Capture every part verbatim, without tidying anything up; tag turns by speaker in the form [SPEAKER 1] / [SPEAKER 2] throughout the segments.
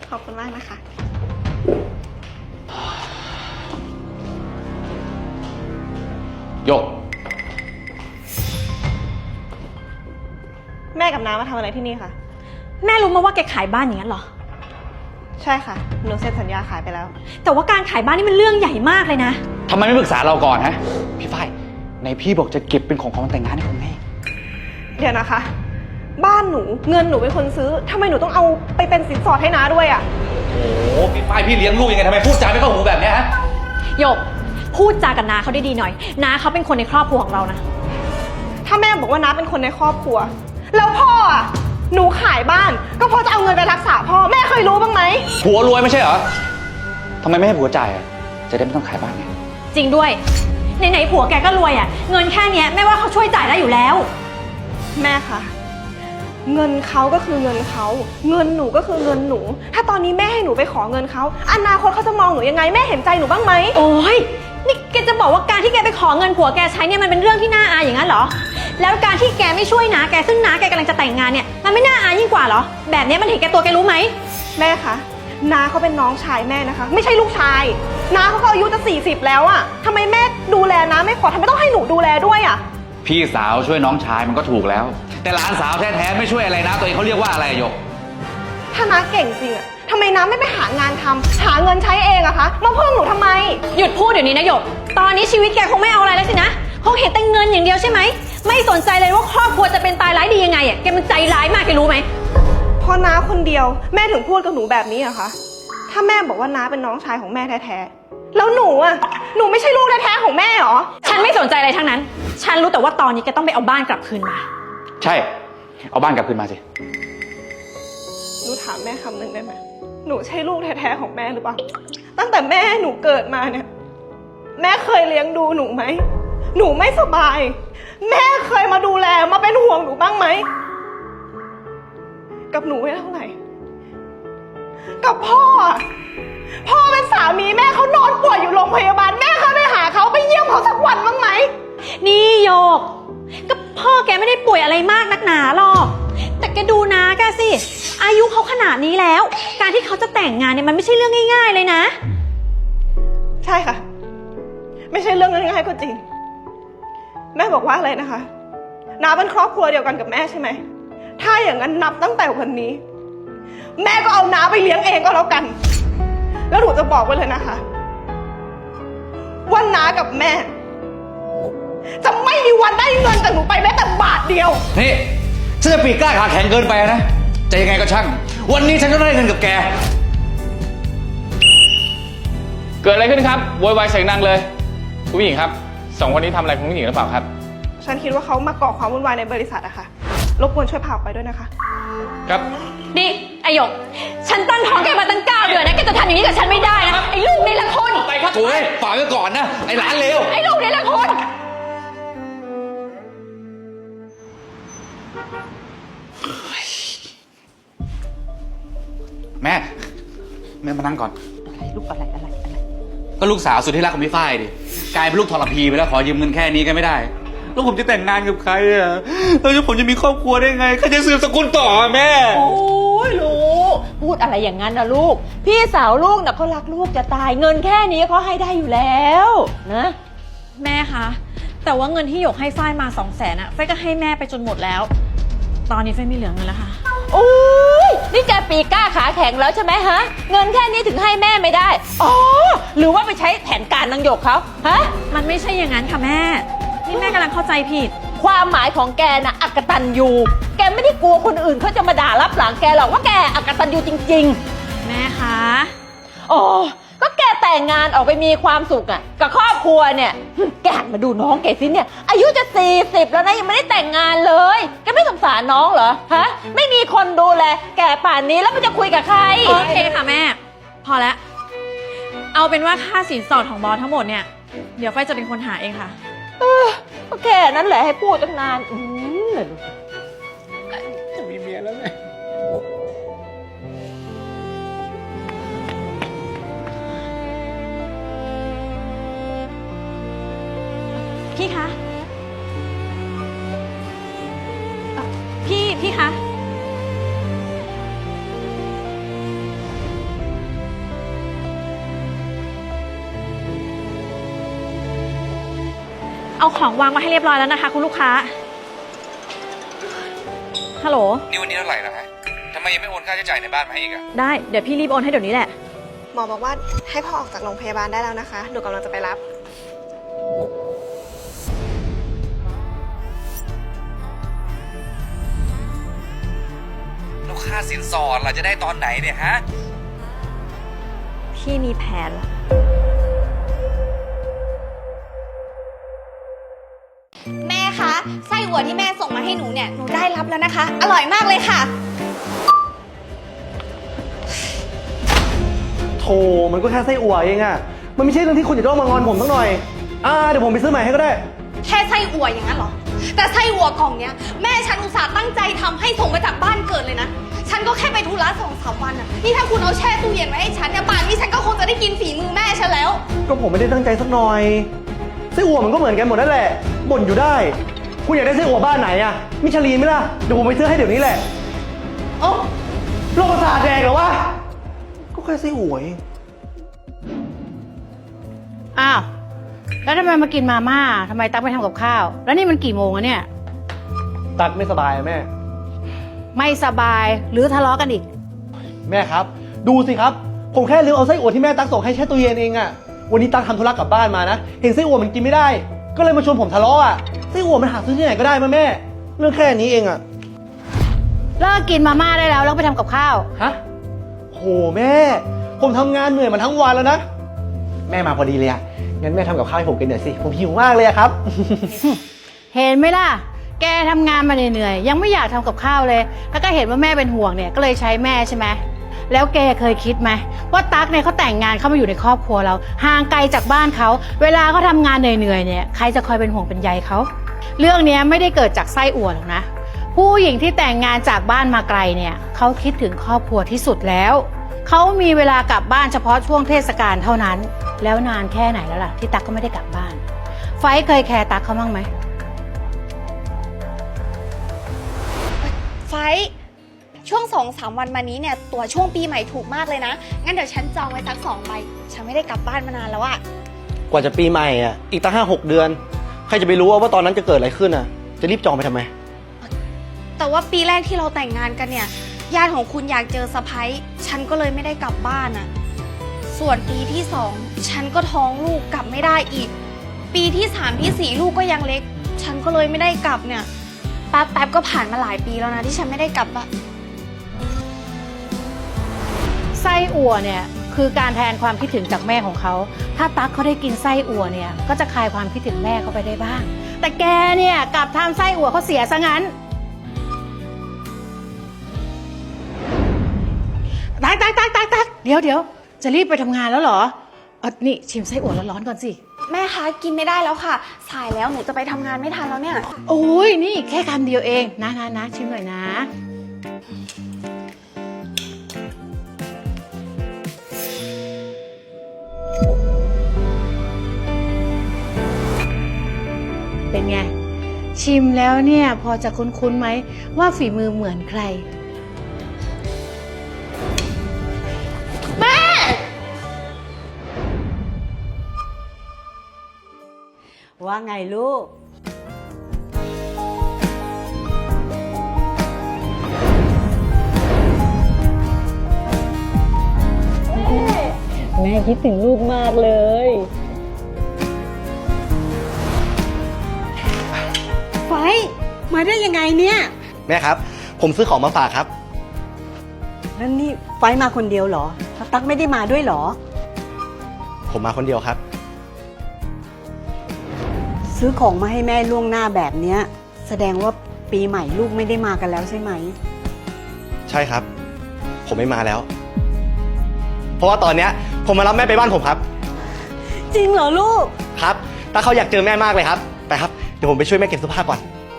[SPEAKER 1] ขอบคุณมากนะคะ
[SPEAKER 2] หยก
[SPEAKER 1] แม่กับน้ามาทำอะไรที่นี่คะ
[SPEAKER 3] แม่รู้มาว่าแกขายบ้านอย่างนั้นเหรอ
[SPEAKER 1] ใช่ค่ะหนูเซ็นสัญญาขายไปแล้ว
[SPEAKER 3] แต่ว่าการขายบ้านนี่มันเรื่องใหญ่มากเลยนะ
[SPEAKER 2] ทำไมไม่ปรึกษาเราก่อนฮะพี่ฝ้ายในพี่บอกจะเก็บเป็นของของแต่งงานให้คุณแม่
[SPEAKER 1] เดี๋ยวนะคะบ้านหนูเงินหนูเป็นคนซื้อทำไมหนูต้องเอาไปเป็นสินสอดให้น้าด้วยอ่ะ
[SPEAKER 2] โอ้พี่ฝ้ายพี่เลี้ยงลูกยังไงทำไมพูดจาไม่เข้าหูแบบนี้ฮะ
[SPEAKER 3] หยกพูดจากับน้าเขาได้ดีหน่อยน้าเขาเป็นคนในครอบครัวของเรานะ
[SPEAKER 1] ถ้าแม่บอกว่าน้าเป็นคนในครอบครัวแล้วพ่ออ่ะหนูขายบ้านก็เพราะจะเอาเงินไปรักษาพ่อแม่เคยรู้บ้างไหม
[SPEAKER 2] ผัวรวยไม่ใช่เหรอทำไมไม่ให้ผัวจ่ายอ่ะจะได้ไม่ต้องขายบ้านไง
[SPEAKER 3] จริงด้วยไหนๆผัวแกก็รวยอ่ะเงินแค่นี้แม่ว่าเขาช่วยจ่ายได้อยู่แล้ว
[SPEAKER 1] แม่คะเงินเขาก็คือเงินเขาเงินหนูก็คือเงินหนูถ้าตอนนี้แม่ให้หนูไปขอเงินเขาอนาคตเขาจะมองหนูยังไงแม่เห็นใจหนูบ้างไหม
[SPEAKER 3] โอ้ยนี่แกจะบอกว่าการที่แกไปขอเงินผัวแกใช้เนี่ยมันเป็นเรื่องที่น่าอายอย่างนั้นเหรอแล้วการที่แกไม่ช่วยน้าแกซึ่งน้าแกกำลังจะแต่งงานเนี่ยมันไม่น่าอายยิ่งกว่าเหรอแบบนี้มันเห็นแกตัวแกรู้ไหม
[SPEAKER 1] แม่คะน้าเขาเป็นน้องชายแม่นะคะไม่ใช่ลูกชายน้าเขาก็อายุจะสี่สิบแล้วอะทำไมแม่ดูแลน้าไม่พอทำไมต้องให้หนูดูแลด้วยอะ
[SPEAKER 2] พี่สาวช่วยน้องชายมันก็ถูกแล้วแต่หลานสาวแท้ๆไม่ช่วยอะไรนะตัวเองเขาเรียกว่าอะไรหยก
[SPEAKER 1] ถ้าน้าเก่งจริงอะทำไมน้าไม่ไปหางานทำหาเงินใช้เองอะคะมาเพิ่มหนูทำไม
[SPEAKER 3] หยุดพูดเดี๋ยวนี้นะหยกตอนนี้ชีวิตแกคงไม่เอาอะไรแล้วสินะคงเห็นแต่เงินอย่างเดียวใช่ไหมไม่สนใจเลยว่าครอบครัวจะเป็นตายร้ายดียังไงอะแกมันใจร้ายมากแกรู้ไหม
[SPEAKER 1] พอน้าคนเดียวแม่ถึงพูดกับหนูแบบนี้อะคะถ้าแม่บอกว่าน้าเป็นน้องชายของแม่แท้ๆแล้วหนูอะหนูไม่ใช่ลูกแท้ๆของแม่หรอ
[SPEAKER 3] ฉันไม่สนใจอะไรทั้งนั้นฉันรู้แต่ว่าตอนนี้แกต้องไปเอาบ้านกลับคืนมา
[SPEAKER 2] ใช่เอาบ้านกลับคืนมาสิ
[SPEAKER 1] หนูถามแม่คำหนึ่งได้ไหมหนูใช่ลูกแท้ๆของแม่หรือเปล่าตั้งแต่แม่หนูเกิดมาเนี่ยแม่เคยเลี้ยงดูหนูไหมหนูไม่สบายแม่เคยมาดูแลมาเป็นห่วงหนูบ้างไหมกับหนูไม่เท่าไหร่กับพ่อพ่อเป็นสามีแม่เขานอนป่วยอยู่โรงพยาบาลแม่เคยไปหาเขาไปเยี่ยมเขาสักวันบ้างไหม
[SPEAKER 3] นี่โยกก็พ่อแกไม่ได้ป่วยอะไรมากนักหนาหรอกแต่แกดูนะแกสิอายุเขาขนาดนี้แล้วการที่เขาจะแต่งงานเนี่ยมันไม่ใช่เรื่องง่ายๆเลยนะ
[SPEAKER 1] ใช่ค่ะไม่ใช่เรื่องง่ายๆก็จริงแม่บอกว่าอะไรนะคะน้าเป็นครอบครัวเดียวกันกับแม่ใช่ไหมถ้าอย่างนั้นนับตั้งแต่วันนี้แม่ก็เอาน้าไปเลี้ยงเองก็แล้วกันแล้วหนูจะบอกไว้เลยนะคะว่าน้ากับแม่จะไม่มีวันได้เงินจากหนูไปแม้แต่บาทเดียว
[SPEAKER 2] นี่ฉันจะปีกกล้าขาแข็งเกินไปนะจะยังไงก็ช่างวันนี้ฉันก็ได้เงินกับแก
[SPEAKER 4] เกิดอะไรขึ้นครับโวยวายเสียงดังเลยคุณผู้หญิงครับสองคนนี้ทำอะไรคุณผู้หญิงหรือเปล่าครับ
[SPEAKER 1] ฉันคิดว่าเขามาก่อความวุ่นวายในบริษัทอะค่ะรบกวนช่วยพาออกไปด้วยนะคะ
[SPEAKER 4] ครับ
[SPEAKER 3] นี่ไอหยกฉันตั้งท้องแกมาตั้งเก้าเดือนนะแกจะทำอย่างนี้กับฉันไม่ได้นะไอลูกนี่ละคน
[SPEAKER 2] ไปครับโอ้ยฝากไว้ก่อนนะไอหลานเลว
[SPEAKER 3] ไอลูกนี่ละคน
[SPEAKER 2] แม่แม่มานั่งก่อน
[SPEAKER 5] อะไรลูกอะไรอะไรอะไร
[SPEAKER 2] ก็ลูกสาวสุดที่รักของพี่ฝ้ายดิกลายเป็นลูกทรพีไปแล้วขอยืมเงินแค่นี้ก็ไม่ได้แล้วผมจะแต่งงานกับใครอ่ะแล้วผมจะมีครอบครัวได้ไงใครจะสืบสกุลต่อแม่
[SPEAKER 5] โอ้ยลูกพูดอะไรอย่างนั้นนะลูกพี่สาวลูกน่ะเขารักลูกจะตายเงินแค่นี้เขาให้ได้อยู่แล้วนะ
[SPEAKER 3] แม่คะแต่ว่าเงินที่หยกให้ฝ้ายมาสองแสนอะฝ้ายก็ให้แม่ไปจนหมดแล้วตอนนี้ฝ้ายไม่เหลือเงินแล้วค่ะ
[SPEAKER 5] โอ้ยนี่แกปีกล้าขาแข็งแล้วใช่ไหมฮะเงินแค่นี้ถึงให้แม่ไม่ได้อ๋อหรือว่าไปใช้แผนการนางหยกเขาฮะ
[SPEAKER 3] มันไม่ใช่อย่างนั้นค่ะแม่นี่แม่กำลังเข้าใจผิด
[SPEAKER 5] ความหมายของแกน่ะอักตันยูแกไม่ได้กลัวคนอื่นเขาจะมาด่ารับหลังแกหรอกว่าแกอักตันยูจริง
[SPEAKER 3] ๆแม่คะ
[SPEAKER 5] อ๋อก็แกแต่งงานออกไปมีความสุขอ่ะกับครอบครัวเนี่ยแกหันมาดูน้องแกสิเนี่ยอายุจะสี่สิบแล้วนะยังไม่ได้แต่งงานเลยแกไม่สงสารน้องเหรอฮะไม่มีคนดูแลแกป่านนี้แล้วมันจะคุยกับใคร
[SPEAKER 3] โอเคค่ะแม่พอแล้วเอาเป็นว่าค่าสินสอดของบอสทั้งหมดเนี่ยเดี๋ยวฝ้ายจะเป็นคนหาเองค่ะ
[SPEAKER 5] เออก็แค่นั้นแหละให้พูดตั้งนานอืมเลย
[SPEAKER 4] จะมีเมียแล้วไง
[SPEAKER 3] พี่คะพี่พี่คะเอาของวางไว้ให้เรียบร้อยแล้วนะคะ คุณลูกค้า ฮัลโหล
[SPEAKER 2] นี่วันนี้เท่าไหร่แล้วฮะทำไมยังไม่โอนค่าใช้จ่ายในบ้านมาให้อีกอะ
[SPEAKER 3] ได้ เดี๋ยวพี่รีบโอนให้เดี๋ยวนี้แหละ
[SPEAKER 1] หมอบอกว่าให้พ่อออกจากโรงพยาบาลได้แล้วนะคะ หนูกำลังจะไปรับ
[SPEAKER 2] แล้วค่าสินสอดเราจะได้ตอนไหนเนี่ยฮะ
[SPEAKER 3] พี่มีแผนแล้ว
[SPEAKER 6] แม่คะไส้อั่วที่แม่ส่งมาให้หนูเนี่ยหนูได้รับแล้วนะคะ อร่อยมากเลยค่ะ
[SPEAKER 7] โธ่มันก็แค่ไส้อั่วเองอะมันไม่ใช่เรื่องที่คุณจะต้องมางอนผมสักหน่อย อ่า เดี๋ยวผมไปซื้อใหม่ให้ก็ได้
[SPEAKER 6] แค่ไส้อั่วอย่างนั้นเหรอ แต่ไส้อั่วกล่องเนี้ยแม่ฉันอุตส่าห์ตั้งใจทำให้ส่งมาจากบ้านเกิดเลยนะ ฉันก็แค่ไปธุระสองสามวันอะนี่ถ้าคุณเอาแช่ตู้เย็นไว้ให้ฉันเนี่ยป่านนี้ฉันก็คงจะได้กินฝีมือแม่ฉันแล้ว
[SPEAKER 7] ก็ผมไม่ได้ตั้งใจสักหน่อย ไส้อั่วมันก็เหมือนกันหมดนั่นแหละ บ่นอยู่ได้ คุณอยากได้ไส้อั่วบ้านไหนอะมิชลีนไหมล่ะ เดี๋ยวผมไปซื้อให้เดี๋ยวนี้แหละ เอ้าโรคประสาทแดกเหรอวะ ก็แค่ไส้อั่วเอง
[SPEAKER 8] อ้าว แล้วทำไมมากินมาม่าทำไมตั๊กไม่ทำกับข้าว แล้วนี่มันกี่โมงอะเนี่ย
[SPEAKER 7] ตักไม่สบายอะแม่
[SPEAKER 8] ไม่สบายหรือทะเลาะกันอีก
[SPEAKER 7] แม่ครับ ดูสิครับ ผมแค่ลืมเอาไส้อั่วที่แม่ตักส่งให้แช่ตู้เย็นเองอะวันนี้ตักทำธุระกลับบ้านมานะ เห็นไส้อั่วมันกินไม่ได้ ก็เลยมาชวนผมทะเลาะอะไส้อั่วมันหาซื้อที่ไหนก็ได้มาแม่ เรื่องแค่นี้เองอะ
[SPEAKER 8] เลิกกินมาม่าได้แล้วแล้วไปทำกับข้าว
[SPEAKER 7] ฮะโหแม่ ผมทำงานเหนื่อยมาทั้งวันแล้วนะ แม่มาพอดีเลยอะงั้นแม่ทำกับข้าวให้ผมกินหน่อยสิ ผมหิวมากเลยอะครับ
[SPEAKER 8] เห็นไหมล่ะ แกทำงานมาเหนื่อยๆยังไม่อยากทำกับข้าวเลย แล้วก็เห็นว่าแม่เป็นห่วงเนี่ยก็เลยใช้แม่ใช่ไหม แล้วแกเคยคิดไหมว่าตั๊กเนี่ยเขาแต่งงานเข้ามาอยู่ในครอบครัวเราห่างไกลจากบ้านเขาเวลาเขาทำงานเหนื่อยๆเนี่ยใครจะคอยเป็นห่วงเป็นใยเขาเรื่องนี้ไม่ได้เกิดจากไส้อั่วหรอกนะผู้หญิงที่แต่งงานจากบ้านมาไกลเนี่ยเขาคิดถึงครอบครัวที่สุดแล้วเขามีเวลากลับบ้านเฉพาะช่วงเทศกาลเท่านั้นแล้วนานแค่ไหนแล้วล่ะที่ตั๊กก็ไม่ได้กลับบ้านไฟเคยแคร์ตั๊กเขาบ้างไหม
[SPEAKER 6] ไฟท์ช่วงสองสามวันมานี้เนี่ยตัวช่วงปีใหม่ถูกมากเลยนะ งั้นเดี๋ยวฉันจองไว้สักสองใบ ฉันไม่ได้กลับบ้านมานานแล้วอะ
[SPEAKER 7] กว่าจะปีใหม่อะอีกตั้งห้าหกเดือน ใครจะไปรู้ว่าตอนนั้นจะเกิดอะไรขึ้นอะจะรีบจองไปทำไม
[SPEAKER 6] แต่ว่าปีแรกที่เราแต่งงานกันเนี่ยญาติของคุณอยากเจอสะพ้ยฉันก็เลยไม่ได้กลับบ้านอะส่วนปีที่สองฉันก็ท้องลูกกลับไม่ได้อีก ปีที่สามที่สี่ลูกก็ยังเล็ก ฉันก็เลยไม่ได้กลับเนี่ยแป๊บแป๊บก็ผ่านมาหลายปีแล้วนะที่ฉันไม่ได้กลับอะ
[SPEAKER 8] ไส้อั่วเนี่ยคือการแทนความคิดถึงจากแม่ของเขาถ้าตั๊กเขาได้กินไส้อั่วเนี่ยก็จะคลายความคิดถึงแม่เขาไปได้บ้างแต่แกเนี่ยกลับทำไส้อั่วเขาเสียซะงั้นตั๊กตั๊กตั๊กตั๊กตั๊กเดี๋ยวเดี๋ยวจะรีบไปทำงานแล้วเหรอเออนี่ชิมไส้อั่วร้อนๆก่อนสิ
[SPEAKER 6] แม่คะกินไม่ได้แล้วค่ะ สายแล้วหนูจะไปทำงานไม่ทันแล้วเนี่ย
[SPEAKER 8] โอ้ยนี่แค่คำเดียวเองนะนะนะชิมหน่อยนะเป็นไงชิมแล้วเนี่ยพอจะคุ้นๆไหมว่าฝีมือเหมือนใคร
[SPEAKER 9] ว่าไงลูก แม่คิดถึงลูกมากเลยไฟมาได้ยังไงเนี่ย
[SPEAKER 7] แม่ครับ ผมซื้อของมาฝากครับ
[SPEAKER 9] แล้วนี่ไฟมาคนเดียวเหรอแล้วตั๊กไม่ได้มาด้วยเหรอ
[SPEAKER 7] ผมมาคนเดียวครับ
[SPEAKER 9] ซื้อของมาให้แม่ล่วงหน้าแบบเนี้ยแสดงว่าปีใหม่ลูกไม่ได้มากันแล้วใช่ไหม
[SPEAKER 7] ใช่ครับ ผมไม่มาแล้ว เพราะว่าตอนเนี้ยผมมารับแม่ไปบ้านผมครับ
[SPEAKER 9] จริงเหรอลูก
[SPEAKER 7] ครับถ้าเขาอยากเจอแม่มากเลยครับไปครับ เดี๋ยวผมไปช่วยแม่เก็บเสื้อผ้าก่อน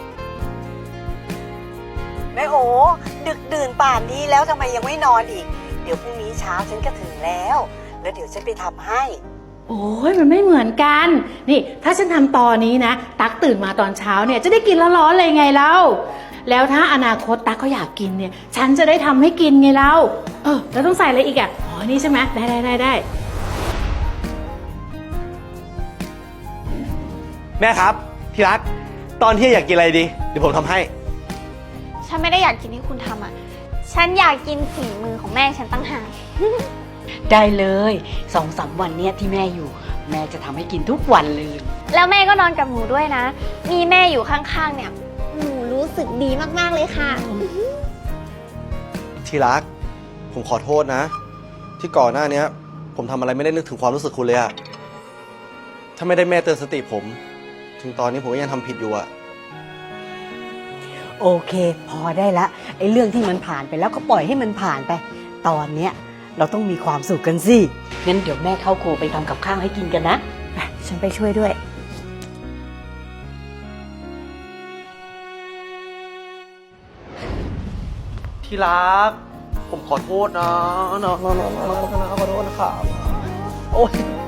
[SPEAKER 9] แม่โอดึกดื่นป่านนี้แล้วทำไมยังไม่นอนอีก เดี๋ยวพรุ่งนี้เช้าฉันก็ถึงแล้ว แล้วเดี๋ยวฉันไปทำให้
[SPEAKER 8] โอ้ยมันไม่เหมือนกัน นี่ถ้าฉันทำตอนนี้นะตั๊กตื่นมาตอนเช้าเนี่ยจะได้กินร้อนๆเลยไงเล่าแล้วถ้าอนาคตตั๊กเขาอยากกินเนี่ยฉันจะได้ทำให้กินไงเล่าเออแล้วต้องใส่อะไรอีกอ่ะอ๋อนี่ใช่ไหมได้ได้ได้ได้
[SPEAKER 7] แม่ครับที่รัก ตอนที่อยากกินอะไรดี เดี๋ยวผมทำให้
[SPEAKER 6] ฉันไม่ได้อยากกินที่คุณทำอ่ะ ฉันอยากกินฝีมือของแม่ฉันตั้งหาก
[SPEAKER 9] ได้เลยสองสามวันเนี้ยที่แม่อยู่ แม่จะทำให้กินทุกวันเลย
[SPEAKER 6] แล้วแม่ก็นอนกับหนูด้วยนะ มีแม่อยู่ข้างๆเนี่ย หนูรู้สึกดีมากๆเลยค่ะ
[SPEAKER 7] ที่รัก ผมขอโทษนะ ที่ก่อนหน้านี้ผมทำอะไรไม่ได้นึกถึงความรู้สึกคุณเลยอะถ้าไม่ได้แม่เตือนสติผม ถึงตอนนี้ผมก็ยังทำผิดอยู่อะ
[SPEAKER 9] โอเค พอได้ละไอ้เรื่องที่มันผ่านไปแล้วก็ปล่อยให้มันผ่านไป ตอนเนี้ยเราต้องมีความสุขกันสิงั้นเดี๋ยวแม่เข้าครัวไปทำกับข้าวให้กินกันนะไปฉันไปช่วยด้วย
[SPEAKER 7] ที่รัก ผมขอโทษนะนะนะนะนะขอโทษนะครับโอ๊ย